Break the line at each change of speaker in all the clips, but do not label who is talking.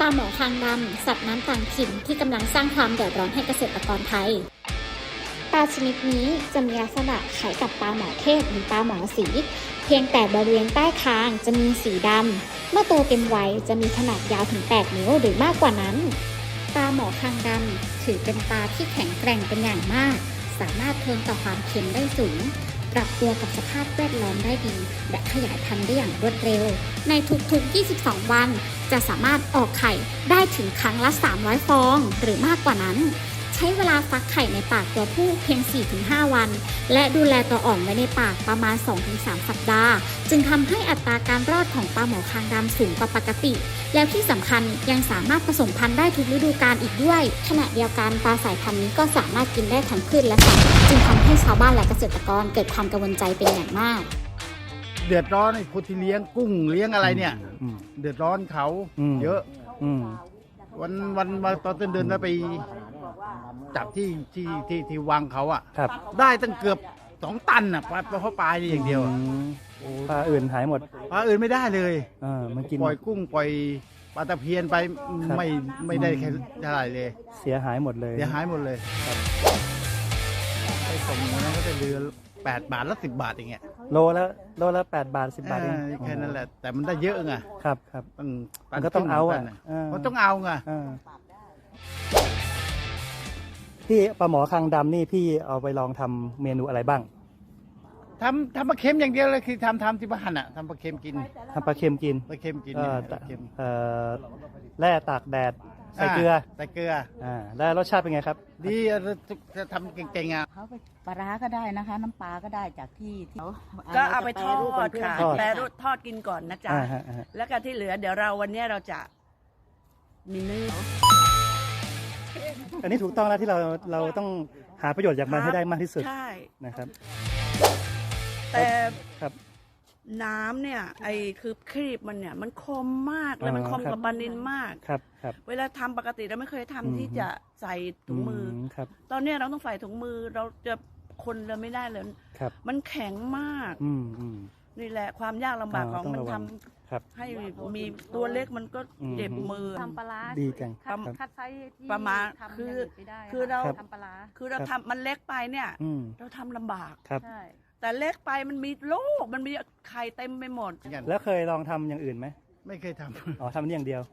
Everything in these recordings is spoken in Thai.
ลาหมอคางดำสัตว์น้ำต่างถิ่นที่กำลังสร้างความเดือดร้อนให้เกษตรกรไทยปลาชนิดนี้จะมีลักษณะคล้ายกับปลาหมอเทศหรือปลาหมอสีเพียงแต่บริเวณใต้คางจะมีสีดำเมื่อโตเต็มวัยจะมีขนาดยาวถึง8 นิ้วหรือมากกว่านั้นปลาหมอคางดำถือเป็นปลาที่แข็งแกร่งเป็นอย่างมากสามารถทนต่อความเค็มได้สูงปรับตัวกับสภาพแวดล้อมได้ดีและขยายพันธุ์ได้อย่างรวดเร็วในทุกๆ22 วันจะสามารถออกไข่ได้ถึงครั้งละ300 ฟองหรือมากกว่านั้นใช้เวลาฟักไข่ในปากตัวผู้เพียง 4-5 วันและดูแลตัวอ่อนไว้ในปากประมาณ 2-3 สัปดาห์จึงทำให้อัตราการรอดของปลาหมอคางดำสูงกว่าปกติแล้วที่สำคัญยังสามารถผสมพันธุ์ได้ทุกฤดูกาลอีกด้วยขณะเดียวกันปลาสายพันธุ์นี้ก็สามารถกินได้ทั้งพืชและสัตว์จึงทำให้ชาวบ้านและเกษตรกรเกิดความกังวลใจเป็นอย่างมาก
เดือดร้อนไอ้คนที่เลี้ยงกุ้งเลี้ยงอะไรเนี่ยเดือดร้อนเขาเยอะวันตอนต้นเดือนแล้วไปจับที่วางเขาอ่ะได้ตั้งเกือบ2 ตันอ่ะเพราะปลานี่อย่างเดียว
ปลาอื่นหายหมด
ปลาอื่นไม่ได้เลย
มันกิน
ปล่อยกุ้งปล่อยปลาตะเพียนไปไม่ได้แค่เท่าไหร่เลย
เสียหายหมดเลย
ไปส่งนั้นก็จะเดือน8 บาทและ10 บาทอย่างเงี้ย
โลละ8 บาท 10 บาทเอง
แค่นั้นแหละแต่มันได้เยอะไง
ครับมันก็ต้องเอา
มันต้องเอาไง
พี่ปลาหมอคางดำนี่พี่เอาไปลองทำเมนูอะไรบ้าง
ทำปลาเค็มอย่างเดียวเลยคือทำที่บ้านอ่ะทำปลาเค็มกิน
ปลาเค็มกินแร่ตากแดดใส่เกลือแล้วรสชาติเป็นไงครับ
ดีจะทำเก่งๆอ่ะ
เขาไปปลาร้าก็ได้นะคะน้ำปลาก็ได้จากที่
ก็เอาไปทอดค่ะแปรรูปทอดกินก่อนนะจ๊ะแล้วก็ที่เหลือเดี๋ยววันนี้เราจะมีเนื้อ
อันนี้ถูกต้องแล้วที่เราต้องหาประโยชน์จากมันให้ได้มากที่สุดนะครับ
แต่น้ำเนี่ยคือครีบมันเนี่ยมันคมมากเลยมันคมกับปลานิลมากเวลาทำปกติเราไม่เคยทำที่จะใส่ถุงมือตอนนี้เราต้องใส่ถุงมือเราจะคนเราไม่ได้เลยมันแข็งมากนี่แหละความยากลำบากของมันทำให้มีตัวเล็กมันก็เจ็บมือ
ทำปลา
ดีจัง
คัดไซส์ที่
ประมาณคือเราทำปลาคือเราทำมันเล็กไปเนี่ยเราทำลำบากแต่เล็กไปมันมีโรคมันมีไข่เต็มไปหมด
แล้วเคยลองทำอย่างอื่นไหม
ไม่เคยทำ
ทำนี่อย่างเดียว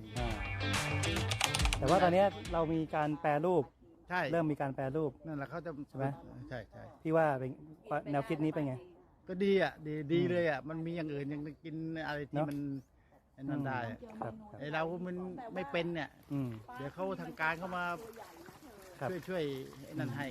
แต่ว่าตอนนี้เรามีการแปรรูปเริ่มมีการแปรรูป
นั่นแหละเขาจะ
ใช่ไหม
ใช่
พี่ว่าเป็นแนวคิดนี้เป็นไง
ก็ดีอ่ะดีเลยอ่ะมันมีอย่างอื่นยังกินอะไรที่มันนั่นได้ไอเรามันไม่เป็นเนี่ยเดี๋ยวเขาทางการเข้ามาช่วยนั่นให้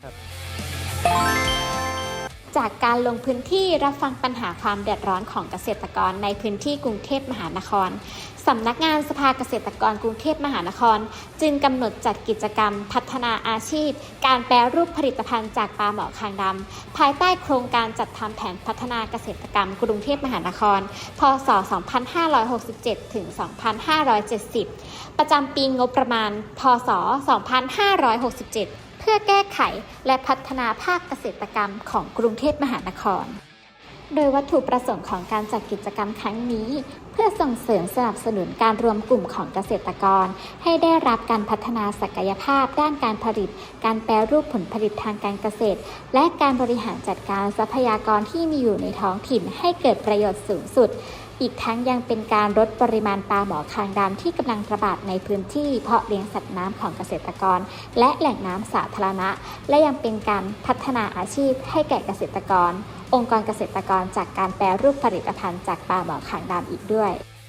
จากการลงพื้นที่รับฟังปัญหาความเดือดร้อนของเกษตรกรในพื้นที่กรุงเทพมหานครสำนักงานสภาเกษตรกรกรุงเทพมหานครจึงกำหนดจัดกิจกรรมพัฒนาอาชีพการแปรรูปผลิตภัณฑ์จากปลาหมอคางดำภายใต้โครงการจัดทำแผนพัฒนาเกษตรกรรมกรุงเทพมหานครพ.ศ. 2567 ถึง 2570 ประจำปีงบประมาณ พ.ศ. 2567เพื่อแก้ไขและพัฒนาภาคเกษตรกรรมของกรุงเทพมหานครโดยวัตถุประสงค์ของการจัดกิจกรรมครั้งนี้เพื่อส่งเสริมสนับสนุนการรวมกลุ่มของเกษตรกรให้ได้รับการพัฒนาศักยภาพด้านการผลิตการแปรรูปผลผลิตทางการเกษตรและการบริหารจัดการทรัพยากรที่มีอยู่ในท้องถิ่นให้เกิดประโยชน์สูงสุดอีกทั้งยังเป็นการลดปริมาณปลาหมอคางดำที่กำลังระบาดในพื้นที่เพาะเลี้ยงสัตว์น้ำของเกษตรกรและแหล่งน้ำสาธารณะและยังเป็นการพัฒนาอาชีพให้แก่เกษตรกรองค์กรเกษตรกรจากการแปรรูปผลิตภัณฑ์จากปลาหมอคางดำอีกด้วย